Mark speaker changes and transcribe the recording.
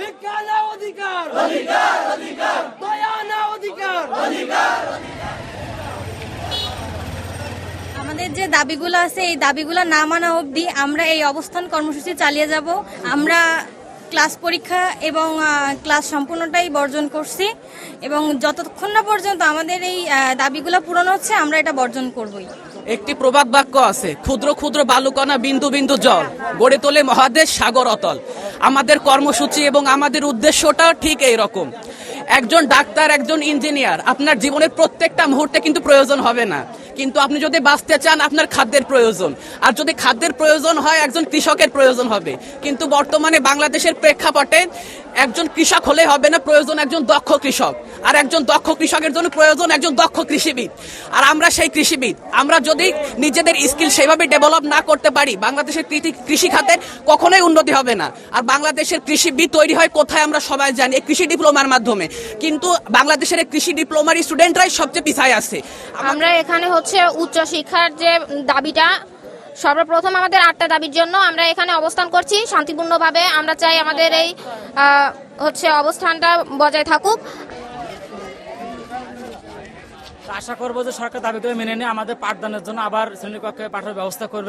Speaker 1: ভিক্ষা না অধিকার, অধিকার অধিকার, দয়া না অধিকার, অধিকার।
Speaker 2: আমাদের যে দাবিগুলো আছে এই দাবিগুলো না মানা অবধি আমরা এই অবস্থান কর্মসূচি চালিয়ে যাব। আমরা ক্লাস পরীক্ষা এবং ক্লাস সম্পূর্ণটাই বর্জন করছি এবং যতক্ষণ না পর্যন্ত আমাদের এই দাবিগুলো পূরণ হচ্ছে আমরা এটা বর্জন করবই।
Speaker 3: একটি প্রবাদ বাক্য আছে, ক্ষুদ্র ক্ষুদ্র বালুকণা বিন্দু বিন্দু জল গড়ে তোলে মহাদেশ সাগর অতল। আমাদের কর্মসূচি এবং আমাদের উদ্দেশ্যটাও ঠিক এই রকম। একজন ডাক্তার, একজন ইঞ্জিনিয়ার আপনার জীবনের প্রত্যেকটা মুহূর্তে কিন্তু প্রয়োজন হবে না, কিন্তু আপনি যদি বাঁচতে চান আপনার খাদ্যের প্রয়োজন, আর যদি খাদ্যের প্রয়োজন হয় একজন কৃষকের প্রয়োজন হবে। কিন্তু বর্তমানে বাংলাদেশের প্রেক্ষাপটে একজন কৃষক হলে হবে না, প্রয়োজন একজন দক্ষ কৃষক, আর একজন দক্ষ কৃষকের জন্য প্রয়োজন একজন দক্ষ কৃষিবিদ। আর আমরা সেই কৃষিবিদ, আমরা যদি নিজেদের স্কিল সেভাবে ডেভেলপ না করতে পারি বাংলাদেশের কৃষি খাতের কখনোই উন্নতি হবে না। আর বাংলাদেশের কৃষিবিদ তৈরি হয় কোথায় আমরা সবাই জানি, এই কৃষি ডিপ্লোমার মাধ্যমে। কিন্তু বাংলাদেশের এই কৃষি ডিপ্লোমার স্টুডেন্টরাই সবচেয়ে পিছায় আছে।
Speaker 4: আমরা এখানে উচ্চ শিক্ষার যে দাবিটা, সর্বপ্রথম আমাদের 8টা দাবির জন্য আমরা এখানে অবস্থান করছি শান্তিপূর্ণভাবে। আমরা চাই আমাদের এই অবস্থানটা বজায় থাকুক।
Speaker 5: আশা করবো যে সরকার দাবিগুলো মেনে নিয়ে আমাদের পাঠদানের জন্য আবার শ্রেণীকক্ষে পাঠানোর ব্যবস্থা করবে।